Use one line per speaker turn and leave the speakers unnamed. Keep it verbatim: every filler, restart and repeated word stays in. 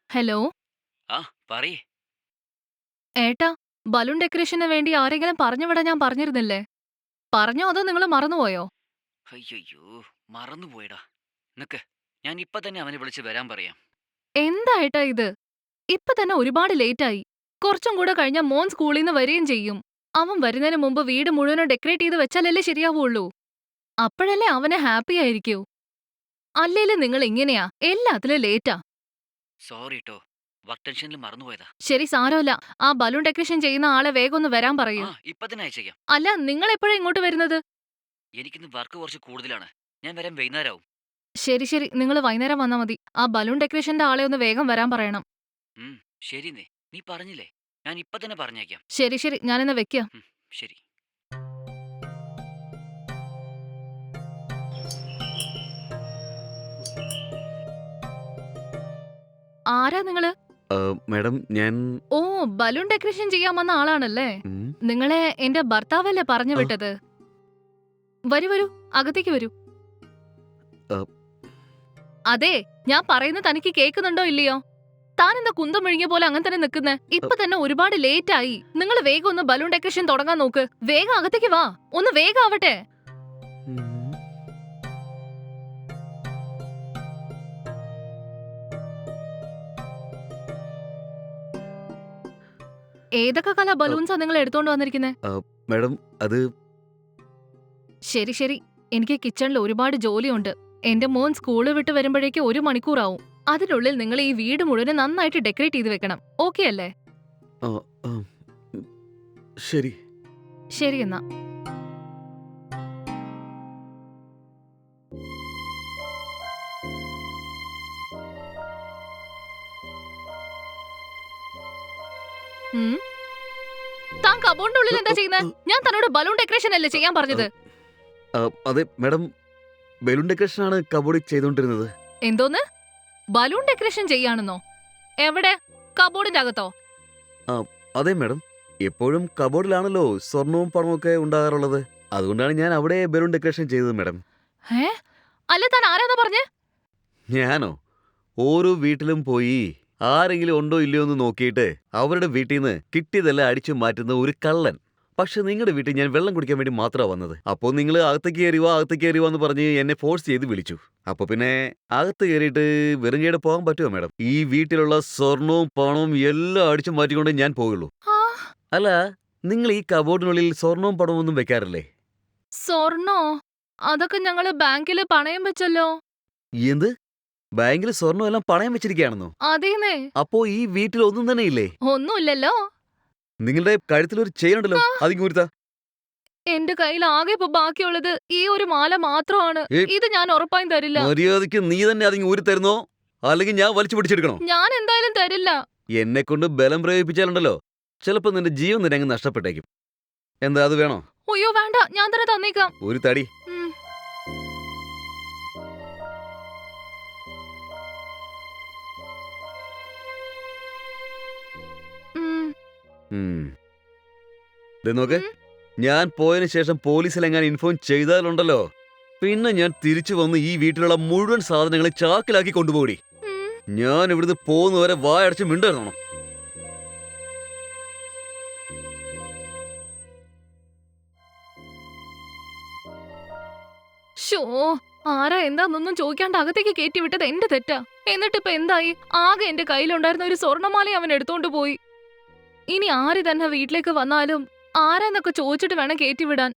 Hello.
ആ പറയ്.
ഏട്ടാ, ബലൂൺ ഡെക്കറേഷന് വേണ്ടി ആരെങ്കിലും പറഞ്ഞു വിടാൻ ഞാൻ പറഞ്ഞിരുന്നില്ലേ? പറഞ്ഞോ അതോ നിങ്ങള് മറന്നുപോയോ?
അയ്യയ്യോ! മറന്നുപോയെടാ. നിക്ക്. ഞാൻ ഇപ്പൊ തന്നെ അവനെ വിളിച്ച് വരാൻ പറയാം.
എന്താ ഏട്ടാ ഇത്? ഇപ്പൊ തന്നെ ഒരുപാട് ലേറ്റായി. കുറച്ചും കൂടെ കഴിഞ്ഞാ മോൻ സ്കൂളീന്ന് വരികയും ചെയ്യും. അവൻ വരുന്നതിന് മുമ്പ് വീട് മുഴുവനും ഡെക്കറേറ്റ് ചെയ്ത് വെച്ചാലല്ലേ ശരിയാവുള്ളൂ. അപ്പഴല്ലേ അവന് ഹാപ്പി ആയിരിക്കൂ. അല്ലേലും നിങ്ങൾ ഇങ്ങനെയാ, എല്ലാത്തിലും ലേറ്റാ.
സോറി ട്ടോ. വർക്ക് ടെൻഷനിൽ മറന്നുപോയതാ.
ശരി, സാരമില്ല. ആ ബലൂൺ ഡെക്കറേഷൻ ചെയ്യുന്ന ആളെ വേഗം ഒന്ന് വരാൻ
ആ
പറയൂ.
ഇപ്പൊ തന്നെ അയച്ചേക്കാം.
അല്ല, നിങ്ങൾ എപ്പോഴാ ഇങ്ങോട്ട് വരുന്നത്?
എനിക്കിന്ന് വർക്ക് കുറച്ച് കൂടുതലാണ്. ഞാൻ വരാൻ വൈകുന്നേരാവും.
ശരി ശരി, നിങ്ങൾ വൈകുന്നേരം വന്നാ മതി. ആ ബലൂൺ ഡെക്കറേഷന്റെ ആളെ ഒന്ന് വേഗം വരാൻ പറയണം.
ഉം ശരിന്നേ. നീ പറഞ്ഞില്ലേ? ഞാൻ ഇപ്പൊ തന്നെ പറഞ്ഞേക്കാം.
ശരി ശരി, ഞാനിന്ന് വെക്കാം.
ഉം ശരി.
ആരാ നിങ്ങള്?
ഏഹ്, മാഡം ഞാൻ
ഓ, ബലൂൺ ഡെക്കറേഷൻ ചെയ്യാൻ വന്ന ആളാണല്ലേ?
ഉം,
നിങ്ങളെ എന്റെ ഭർത്താവല്ലേ പറഞ്ഞു
ആ,
വിട്ടത്? വരൂ വരൂ, അകത്തേക്ക് വരൂ.
ആ,
അതെ, ഞാൻ പറയുന്നത് തനിക്ക് കേൾക്കുന്നുണ്ടോ ഇല്ലയോ? താൻ എന്താ കുന്തം വിഴുങ്ങിയ പോലെ അങ്ങനെ തന്നെ നിൽക്കുന്നേ?
ആ,
ഇപ്പൊ തന്നെ ഒരുപാട് ലേറ്റ് ആയി. നിങ്ങൾ വേഗം ഒന്ന് ബലൂൺ ഡെക്കറേഷൻ തുടങ്ങാൻ നോക്ക്. വേഗം അകത്തേക്ക് വാ. ഒന്ന് വേഗം ആവട്ടെ.
ഉം.
ഏതൊക്കെ കളർ
ആ,
ബലൂൺസാ നിങ്ങൾ എടുത്തോണ്ട് വന്നിരിക്കുന്നത്?
ആ, മാഡം അത്
ശരി ശരി, എനിക്ക് കിച്ചണിൽ ഒരുപാട് ജോലിയുണ്ട്. എന്റെ മോൻ സ്കൂള് വിട്ട് വരുമ്പോഴേക്ക് ഒരു മണിക്കൂറാവും. അതിനുള്ളിൽ നിങ്ങൾ ഈ വീട് മുഴുവൻ നന്നായിട്ട് ഡെക്കറേറ്റ് ചെയ്ത് വെക്കണം. ഓക്കെ അല്ലേ?
ആ, ആ, ഉം, ശരി.
ശരി എന്നാ. ഉം. താൻ കബോർഡിന്റെ ഉള്ളിൽ
ആ,
എന്താ
ആ,
ചെയ്യുന്നത്?
ആ,
ഞാൻ തന്നോട് ബലൂൺ ഡെക്കറേഷൻ അല്ലേ ചെയ്യാൻ
ആ,
പറഞ്ഞത്?
ആ, അതെ മാഡം, ബലൂൺ ഡെക്കറേഷനാണ് കബോർഡിൽ ചെയ്തുകൊണ്ടിരുന്നത്.
എന്തോന്ന്? ബലൂൺ ഡെക്കറേഷൻ ചെയ്യാണെന്നോ? എവിടെ? കബോർഡിന്റെ അകത്തോ?
ആ, അതെ മാഡം, എപ്പോഴും കബോർഡിലാണല്ലോ സ്വർണവും പണവും ഒക്കെ ഉണ്ടാകാറുള്ളത്. അതുകൊണ്ടാണ് ഞാൻ അവിടെ ബലൂൺ ഡെക്കറേഷൻ ചെയ്തത് മാഡം.
ഏ? അല്ല, താൻ ആരാന്നാ പറഞ്ഞേ?
ഞാനോ? ഓരോ വീട്ടിലും പോയി ആരെങ്കിലും ഉണ്ടോ ഇല്ലയോ എന്ന് നോക്കിയിട്ട് അവരുടെ വീട്ടിൽ നിന്ന് കിട്ടിയതെല്ലാം അടിച്ചു മാറ്റുന്ന ഒരു കള്ളൻ. പക്ഷെ നിങ്ങളുടെ വീട്ടിൽ ഞാൻ വെള്ളം കുടിക്കാൻ വേണ്ടി മാത്രമാണ് വന്നത്. അപ്പോൾ നിങ്ങൾ അകത്തേക്ക് കയറിവാ അകത്തേക്ക് കയറിവാ എന്ന് പറഞ്ഞ് എന്നെ ഫോഴ്സ് ചെയ്ത് വിളിച്ചു. അപ്പോൾ പിന്നെ അകത്ത് കയറിയിട്ട് വെറും കൈയോടെ പോകാൻ പറ്റുമോ മാഡം? ഈ വീട്ടിലുള്ള സ്വർണവും പണവും എല്ലാം അടിച്ചു മാറ്റിക്കൊണ്ടേ ഞാൻ പോകുള്ളൂ.
ആ,
അല്ല, നിങ്ങൾ ഈ കബോർഡിനുള്ളിൽ സ്വർണവും പണവും ഒന്നും വെക്കാറില്ലേ?
സ്വർണ്ണോ? അതൊക്കെ ഞങ്ങള് ബാങ്കില് പണയം വെച്ചല്ലോ.
എന്ത്? ബാങ്കിൽ സ്വർണ്ണം എല്ലാം പണയം വെച്ചിരിക്കുകയാണെന്നോ?
അതേന്നേ.
അപ്പോ ഈ വീട്ടിൽ ഒന്നും തന്നെ ഇല്ലേ?
ഒന്നുമില്ലല്ലോ.
നിങ്ങളുടെ കഴുത്തിലൊരു ചെയിൻ ഉണ്ടല്ലോ,
ആ,
അതിങ്ങൂരുത്താ.
എന്റെ കയ്യിൽ ആകെ ഇപ്പൊ ബാക്കിയുള്ളത് ഈ ഒരു മാല മാത്രമാണ്.
ഏയ്,
ഇത് ഞാൻ ഉറപ്പായും തരില്ല.
മര്യാദയ്ക്ക് നീ തന്നെ അതിങ്ങ് ഊരി തരുന്നോ, അല്ലെങ്കിൽ ഞാൻ വലിച്ചു പിടിച്ചെടുക്കണോ?
ഞാൻ എന്തായാലും തരില്ല.
എന്നെ കൊണ്ട് ബലം പ്രയോഗിപ്പിച്ചാലുണ്ടല്ലോ, ചിലപ്പോ നിന്റെ ജീവൻ നിന്നെ അങ്ങ് നഷ്ടപ്പെട്ടേക്കും. എന്താ അത് വേണോ?
അയ്യോ വേണ്ട, ഞാൻ തന്നെ തന്നേക്കാം.
ഒരു തടി.
ഉം, ഉം,
ഉം. ദേ നോക്ക്,
ഉം,
ഞാൻ പോയതിനു ശേഷം പോലീസിലെങ്ങാൻ ഇൻഫോം ചെയ്താലുണ്ടല്ലോ, പിന്നെ ഞാൻ തിരിച്ചു വന്ന് ഈ വീട്ടിലുള്ള മുഴുവൻ സാധനങ്ങളെ ചാക്കിലാക്കി കൊണ്ടുപോയി.
ഉം.
ഞാൻ ഇവിടുന്ന് പോകുന്നവരെ വായടച്ച് മിണ്ടായിരുന്നോ?
ശോ, ആരാ എന്താന്നൊന്നും ചോദിക്കാണ്ട് അകത്തേക്ക് കയറ്റി വിട്ടത് എന്റെ തെറ്റാ. എന്നിട്ടിപ്പൊ എന്തായി? ആകെ എന്റെ കയ്യിലുണ്ടായിരുന്ന ഒരു സ്വർണ്ണമാല അവൻ എടുത്തോണ്ട് പോയി. ഇനി ആര് തന്നെ വീട്ടിലേക്ക് വന്നാലും ആരാന്നൊക്കെ ചോദിച്ചിട്ട് വേണം കയറ്റി വിടാൻ.